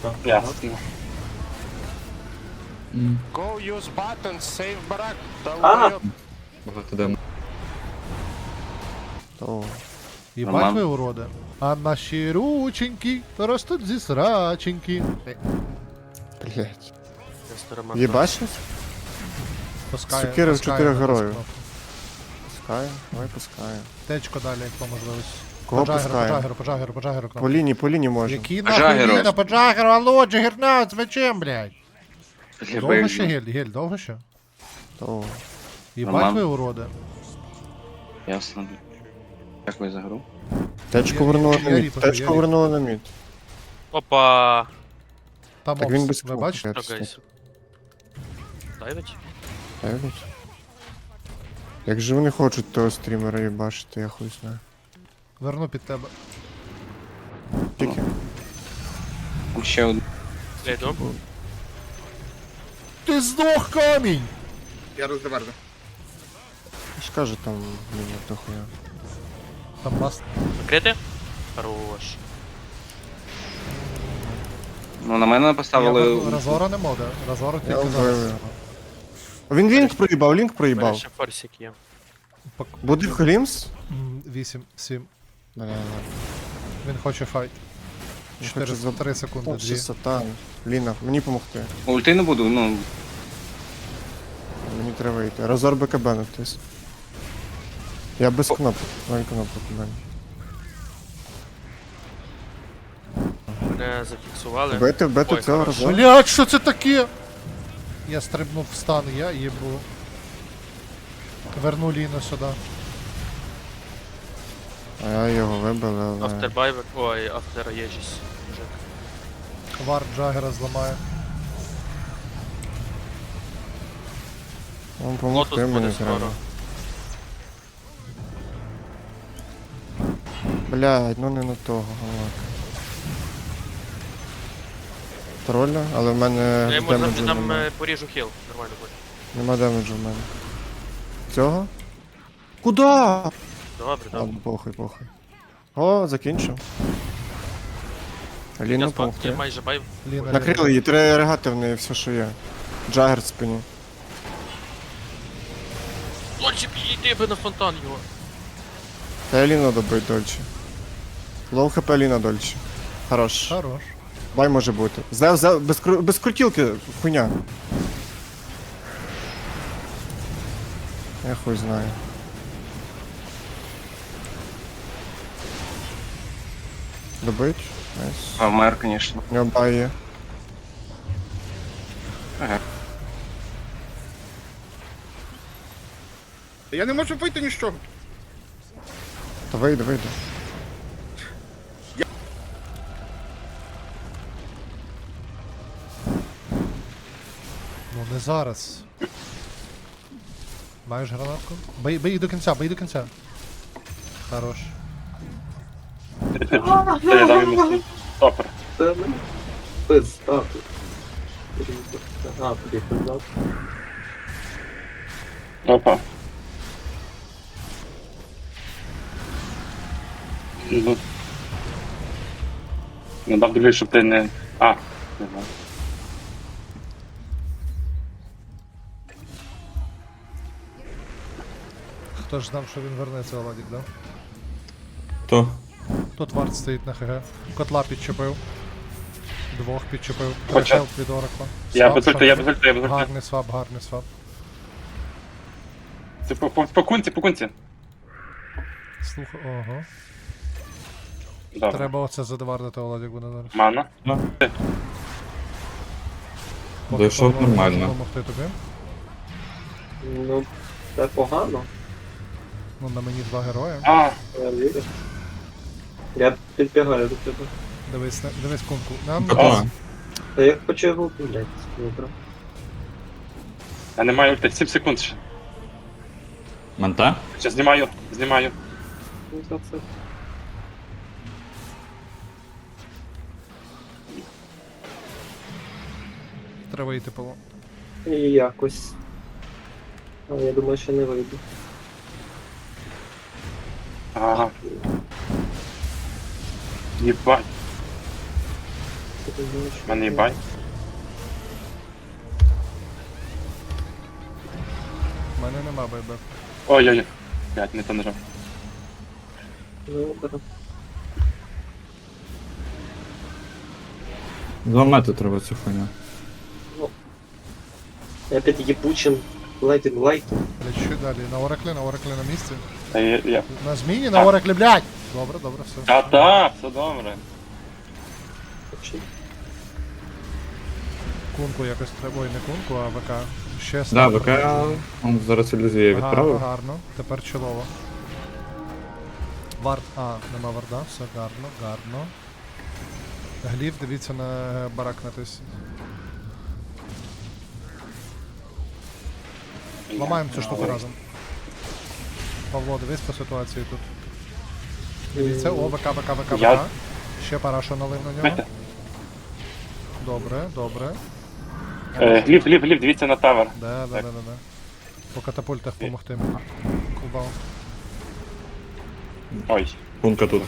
Ясно. Go use buttons, save барак. Ага. Багато демо. Єбать Нормально. ви уроди. А наші рученьки ростуть зі сраченьки. Блять. Єбачиш? Пускає, Сокири в пускає 4 на героїв. дискнопку. Пускаю, давай пускаю. Течко далі, як по можливості. Кого По пускає? По джагеру кнопку. По лінії можна. Які Джагеру. нахуй Ліна, по джагеру, алло, джагернаут, з мечем, блядь. Я Довго боюсь. ще гель, довго ще? То. Єбать Нормально. ви уроди. Ясно. Дякую за гру. Течку вернули на я мід. ріпаю, Течку я вернули на мід. Опа! Там Так він без опс, ви кнопки. бачите? Що, гайс? Дайвить? Дайвить. Як же вони хочуть того стрімера їбачити, я хуй знаю. Верну під тебе. Тільки. Там ще один. Я йду. Ти здох, камінь! Я ж кажу там, блін, як дохуя. Там бас. Закрити? Хорош. Ну, на мене поставили... Разора не моде. Разора Я тільки вбив зараз. його. Він лінк проїбав, лінк У мене проїбав. ще форсик є. Буде Глімс? 8, 7. Бля, Він хоче файт. Він 4, хоче за- 3 секунди, Там 2. ще сатан. Ліна, мені помогти. Ульти не буду, ну... Мені треба йти. Разор БКБ натис. Я без кнопок. 0 кнопок у мене. Мене зафіксували. Вбити Ой, цього хорошо. разор. Блять, що це таке? Я стрибнув в стан, я їбу. Верну Ліну сюди. А я його вибив, але... After ой, автор Єжіс. Вард Джагера зламає. Вам помогти Лотус мені буде треба. скоро. Блядь, ну не на того, галак. Тролля, але в мене Я йому демеджу завжди там нема. поріжу хіл. Нормально буде. Нема демеджу в мене. Цього? Куда? Добре, добре. Ладно, похуй. О, закінчив. Я Ліну спав, я помогти. майже байв. Ліна. Накрили її, треба регати в неї все, що є. Джагер в спині. Лончик, йди би на фонтан його. Та я Ліну добить дольче. Лоу хп Ліна дольче. Хорош. Хорош. Бай може бути. Без крутілки, хуйня. Я хуй знаю. Добить? Найс. А вмер, конечно. У нього бай є. Ага. Я не можу вийти ні з чого. Та вийде. Ну не зараз. Маєш гранатку? Бий їх до кінця, бий до кінця. Хорош. Я дам йому стопер. Опа. Ну. Ну, дав дивлюсь, щоб ти не... А, не знаю. Хто ж знав, що він вернеться, Оладік, да? Хто? Тут вард стоїть на ХГ. Котла підчепив. Двох підчепив. Хоча- Перешел від Оракла. Я Свап, без ульти, я без ульти, я без ульти. Гарний свап, гарний свап. Це по кунці. Слухай, ого. Добре. Треба оце задевардити, Оладік буде зараз. Мана. Поки Дійшов Павло не може нормально. допомогти тобі. Ну, це погано. Ну, на мені 2 герої. А, Я вірю. Я підбігаю до тебе. Дивись кунку. Нам Готово. Та я хочу його блядь, добре. я не маю ульти, 7 секунд ще. Манта? Ще знімаю. Ну, за це. треба йти Павло. І якось. Але я думаю, що не вийду. Ага. Єбать. В мене і бань. У мене нема байбек. Ой-ой-ой. Блядь, не то нажав. Ну, так. Зламати треба цю хуйню. Опять ебучим лайтинг лайком. Блять, що далі? На Ораклі на місці. Та я... На зміні, на Ораклі, блядь! Добре, добре, все. Та, все добре. Кунку якось треба. Ой, не кунку, а ВК. Ще Да, снайпер. ВК, он зараз ілюзію Гарно, відправив. гарно. Тепер чолово. Вард. А, нема варда, все гарно, гарно. Гліф, дивіться на барак натис. Ламаємо цю штуку разом. Павло, дивись по ситуації тут. Дивіться, о, ВК. Я- Ще парашу налив на нього. Бачите? Добре, добре. Гліб, дивіться на тавер. Да. По катапультах помогти. Кубал. Ой. Пунка тут.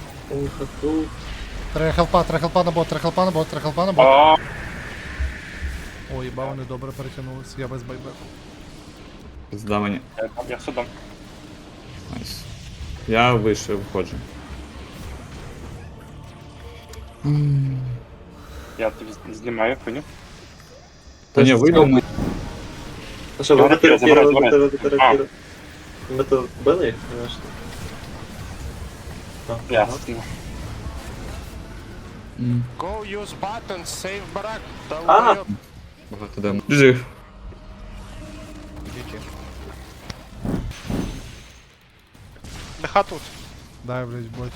Треба хелпа на бот. А, Ой, їба, вони добре перетягнулись. Я без байбеку. Зда мені. я судом. Найс. Я вийшов, виходжу. Я тобі знімаю хуйню. Та ні, вийду. А що, Я ви рапіру забираю, рапіру? Ми то били їх, конечно. Я. Go use buttons, save барак. А! Долбойоб. Багато демо. GG. Лиха тут. Дай, блядь, бот.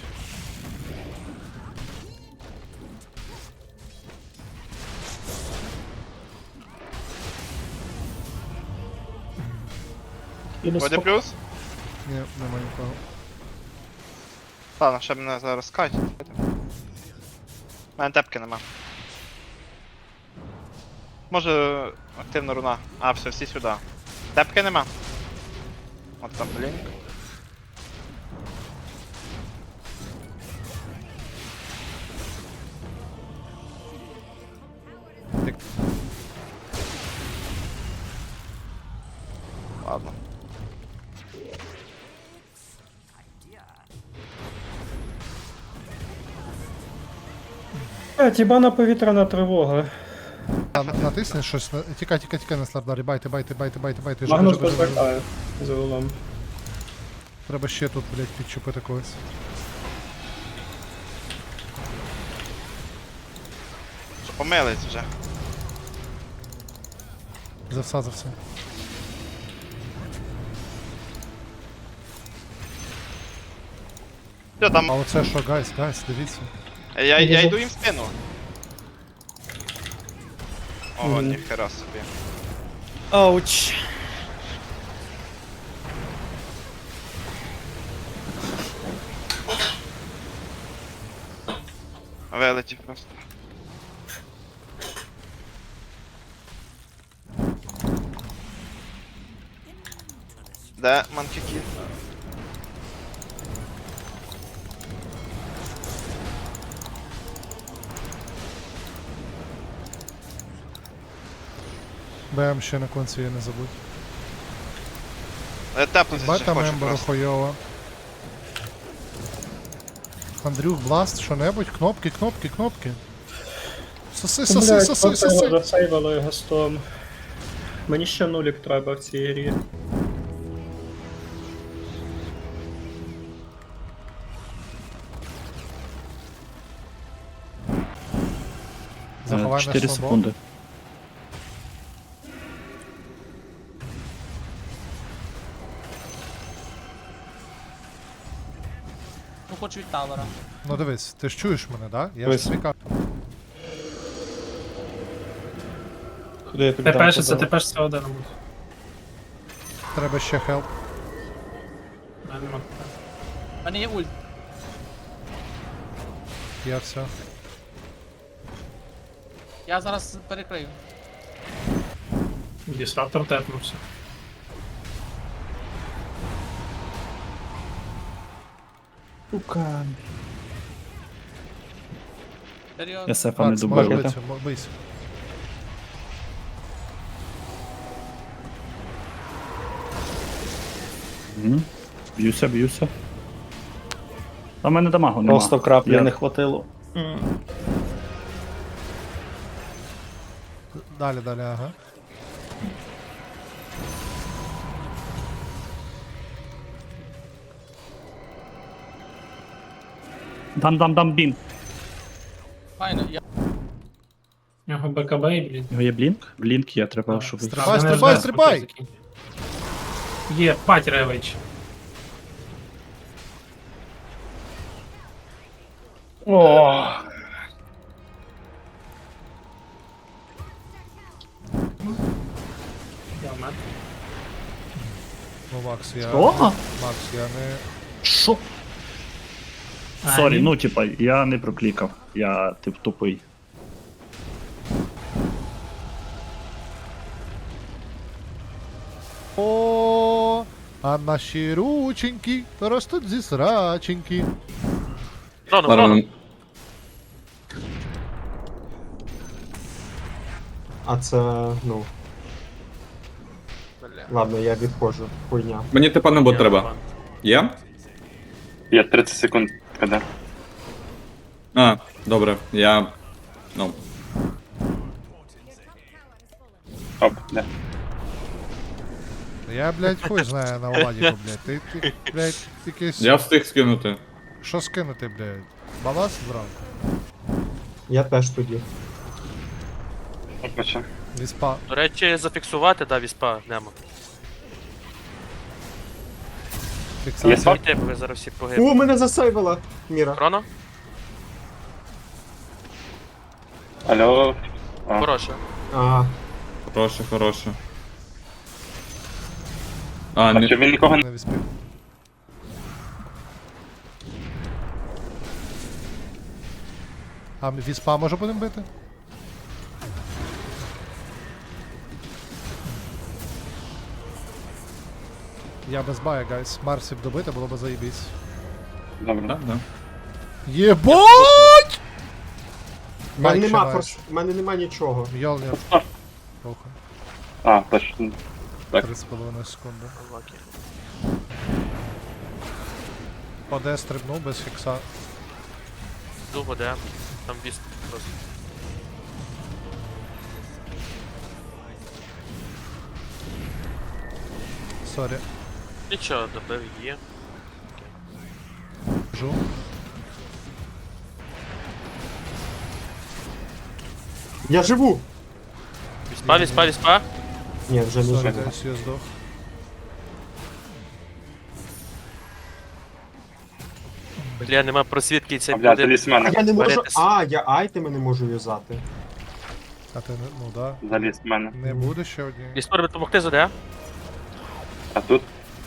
Воді плюс? Ні, нема нікого. Ладно, ще мене зараз кать. У мене тепки нема. Може активна руна. А, все, всі сюди. Тепки нема. От там блінк. Ладно. Тібана повітряна тривога. Натисни щось. Тікай на слардарі. Байте. Магнус Живи. розвертає за улом. Треба ще тут, блядь, підчепити когось. Що помились вже. За все. Що там? А оце що, гайс, дивіться. Я йду їм в спину. О, ніхера собі. Ауч. Вилетів просто. Де манкіки? БМ ще на конці, я не забудь. Тепнутися ще Бета хочу мемберу просто. хуйово. Андрюх, бласт, що-небудь, кнопки. Соси. Засейвало його стом. Мені ще нулік треба в цій грі. Заховай 4 наш слабо. секунди. Ну, хоч від тавера. Ну дивись, ти ж чуєш мене, да? Я ж Дивись. свікав. Куди я тобі Тепешиться, дам? тепешиться один буде. Треба ще хелп. Нема. У мене є ульт. Я все. Я зараз перекрию. Дістратор тепнувся. Серйозно. Я сефа не Макс, можеш добив. битися, бийся. Б'юся, б'юся. А в мене дамагу нема. Просто краплі Я- не хватило. Далі, ага. Дам бін. Файно, я У нього БКБ і блін. Його є блінк? Блінк є, треба, щоб... Стрибай! Є, пать ревич. О. Я вмер. Ну, Макс, я... О! Макс, я не... Що? А, Сорі, ні. ну типа, я не проклікав. Я тип тупий. О, а наші рученьки ростуть зі сраченьки. Рано, Ладно, рано. А це, ну. Ладно, я відходжу. Хуйня. Мені типа не бот треба. Є? Є 30 секунд, коли. А, добре, я. Ну. Оп, де. Я, блядь, хуй знаю на Владіку, блядь. Ти, блядь, якийсь... Я встиг скинути. Що скинути, блядь? Балас зранку? Я теж тоді. Опача. Віспа. До речі, зафіксувати, да, віспа нема. Є Фіксація. свап? Йдіть, бо ви зараз всі погибли. О, мене засейвила! Міра. Рано? Алло. А, Хороше. А, Хороше. А, а не. що він нікого не... Не віспів. А віспа може будемо бити? Я без бая, гайс. Марсів добити було б заєбісь. Добре. Да. Єбать! в мене Байк ще нема маєш. форс... в мене нема нічого. Йолнір. А. Похуй. А, точно. Так. 3,5 секунди. Лакі. Оде стрибнув без фікса. Довго де. Там вісп просто. Сорі. Нічого, добив є. Жу. Я живу! Віспа. Ні, вже не Сорі, живу. гайс, я здох. Бля, нема просвідки і цей А, бля, буде. заліз в мене. Я не можу. Варитись. А, я айтеми не можу юзати. А ти не, ну да. Заліз в мене. Не буде ще одні. Віспор допомогти заде? А тут?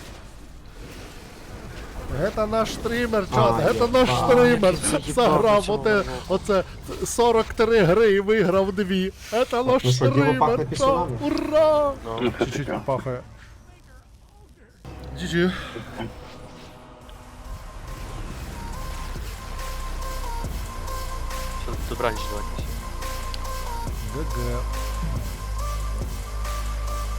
Это наш стример, А, чат, это наш а, стример. який Заграв заїбав оце 43 гри і виграв 2. Это наш Ну що, діло пахне стример, чат. пісюнами? Ура! Ну, Ну, це Чуть-чуть таке. попахає. GG. все, добраніч, давайте. ГГ.